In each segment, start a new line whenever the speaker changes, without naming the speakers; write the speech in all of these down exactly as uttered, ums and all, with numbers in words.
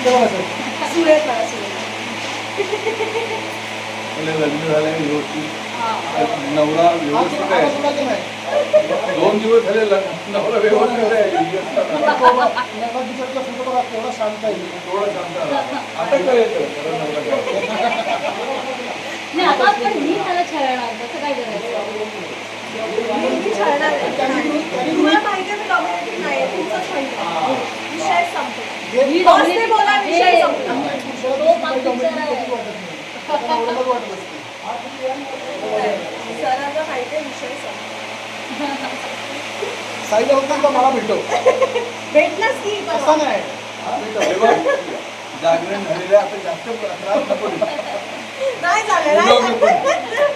सुरेख मला सुरेख
लग्न झालंय व्यवस्थित नवरा व्यवस्थित आहे दोन दिवस झाले नवरा व्यवस्थित आहे
थोडा शांत आहे
थोडं शांत आता काय येतं
नाही आता पण मी त्याला छळणार कसं काय करायचं
मी छळणार आहे. तुम्हाला माहिती आहे मी डॉमिनेटिंग नाही आहे तुमचंच माहिती आहे विषय संपतो
मी
बॉसने बोला विषय
हे-
संपतो
तो पाकिस्तान आहे.
सरांना माहिती आहे विषय संपतो
साईला होत नाही का मला भेटो
भेटलाच की
असं नाही
जागरण झालेलं आता जास्त त्रास नको देऊ.
नाही झालं नाही झालं.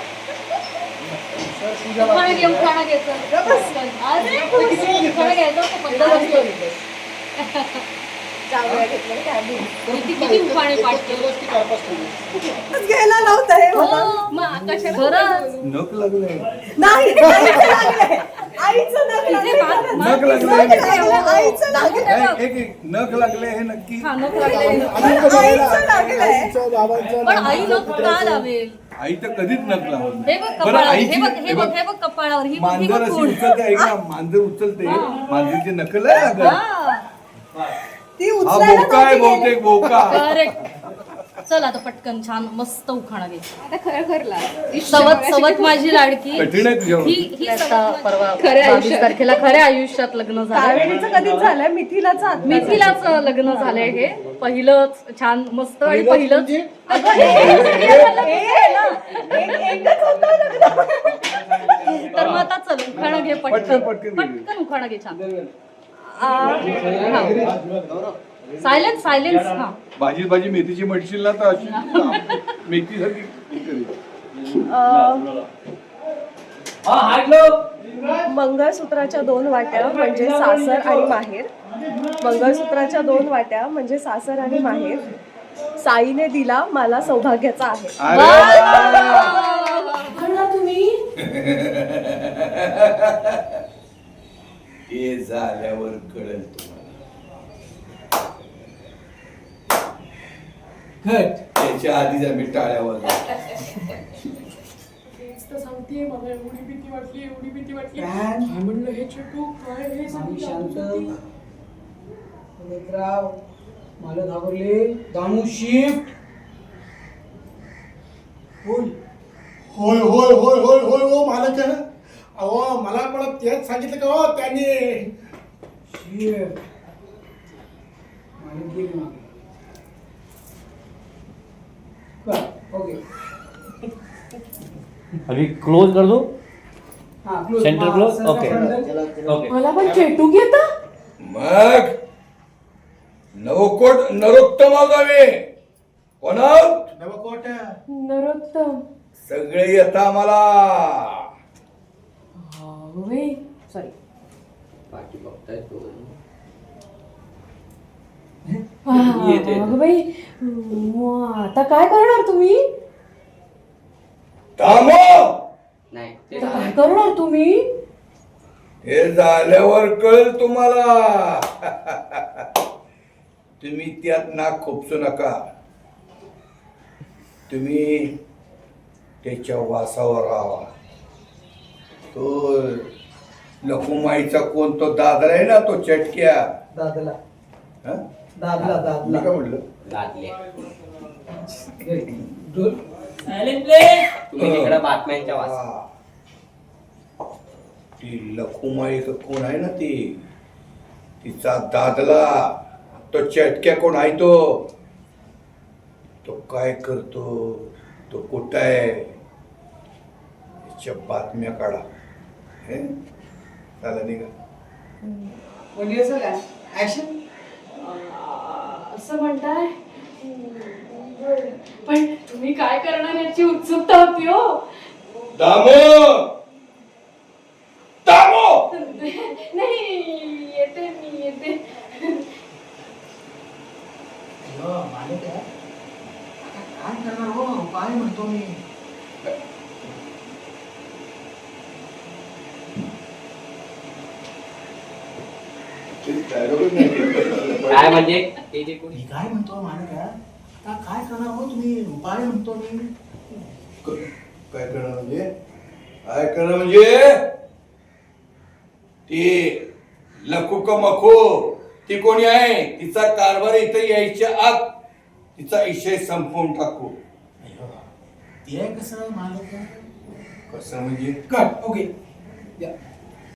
उखाणा घे उखाणा घ्यायचं अरे उखाणा घ्यायचं तो पद्धत असतो.
जाऊया घेतलं काय आधी.
किती किती उखाणे पाठ केले
घ्यायला नव्हतं हे मला.
हो मग कशाला खरंच
नख लागलंय
नाही आईचं लागलंय. आईचं नख
तिथे बात-
लागलंय.
नख
नख
लागलंय
लागलंय. आईचं लागलंय.
नाही, एक एक नख लागले हे नक्की
हा, नको लागलंय.
आईचं लागलंय.
आईचं बाबांचं
पण आई नको का लावेल
आई तर कधीच नख लावत
हे
नाही.
बघ
बरं,
कपाळावर
आईची-
हे बघ हे
हे
बघ
बघ,
हे बघ कपाळावर ही बघ ही
मांजर
बघ
अशी
कोण.
उचलते ऐक ना मांजर उचलते मांजरीची नख लय लागत
हा
ती
हा
उचलायला
बोका आहे
नव्हती गेली.
बहुतेक बोका
करेक्ट चल आता पटकन छान मस्त उखाणा घे
आता खरं खरला
सवत सवत माझी लाडकी
कठीण आहे तुझ्यावर
ही ही आता परवा
खऱ्या
बावीस
आयुष्यात.
तारखेला खऱ्या आयुष्यात लग्न झालं
कावेरीचं कधीच झालंय मिथिलाच आता
मिथिलाच लग्न झालंय हे पहिलंच छान मस्त आणि पहिलंच
म्हणजे?
अगं, हे serial झालं
एक- एकच होतं लग्न.
तर मग आता चल उखाणा घे
पटकन,
पटकन
पटकन घे.
पटकन उखाणा घे छान सायलेन्स सायलेन्स हा
भाजी भाजी मेथीची म्हणशील ना तर अशी मेथी सारखी
मंगळसूत्राच्या दोन वाट्या म्हणजे सासर आणि माहेर मंगळसूत्राच्या दोन वाट्या म्हणजे सासर आणि माहेर साईने दिला मला सौभाग्याचा आहे
तुम्ही
हे झाल्यावर कळेल तुम्हाला त्याच्या आधीच आम्ही टाळ्या वाजवतो.
सांगते मला एवढी भीती वाटली एवढी भीती वाटली काय म्हणलं हे छोटू काय हे
शांत राव मला घाबरले दामू शिफ्ट बोल
होय होय होय होय होय हो मालक अहो मला पण तेच सांगितलं का हो त्यांनी
शिफ्ट मालक गेली मागे बर ओके
अभी क्लोज कर दो
हा close
centre close okay okay
मला पण चेटू घेता
मग नवकोट नरोत्तम गावे कोणा
नवकोट
नरोत्तम
सगळे येता मला
सॉरी
पाठी बघताय तो
अगं बाई मग आता काय करणार तुम्ही
थांबो
नाही
आता काय करणार तुम्ही
हे झाल्यावर कळेल तुम्हाला तुम्ही त्यात नाक खोपसू नका तुम्ही त्याच्या वासावर राहा तो लकुमाईचा कोण तो दादरा आहे ना तो चटक्या
दादला
हं?
दादला
मी
दादला
काय म्हटलं
दादले
तुम्ही तिकडे बातम्यांच्या वाचा
हा. ती लखुमाई का कोण आहे ना ती तिचा दादला तो चटक्या कोण आहे तो तो काय करतो तो कुठं आहे त्याच्या बातम्या काढा हे झालं नाही का
म्हणजे काय ऍक्शन
असं म्हणताय पण तुम्ही काय करणार याची उत्सुकता होती हो
दामो दामो
नाही येते मी येते
मालक आहे काय करणार हो काय म्हणतो मी
ते dialogue च नाही.
काय म्हणजे ते जे कोणी
मी काय म्हणतो मालक आता काय करणार हो तुम्ही उपाय म्हणतो मी
क- काय करणं म्हणजे काय करणं म्हणजे ती लकू का मखू ती कोणी आहे तिचा कारभार इथं यायच्या आत तिचा विषय संपवून टाकू.
ते कसं मालक
कसं म्हणजे
कट ओके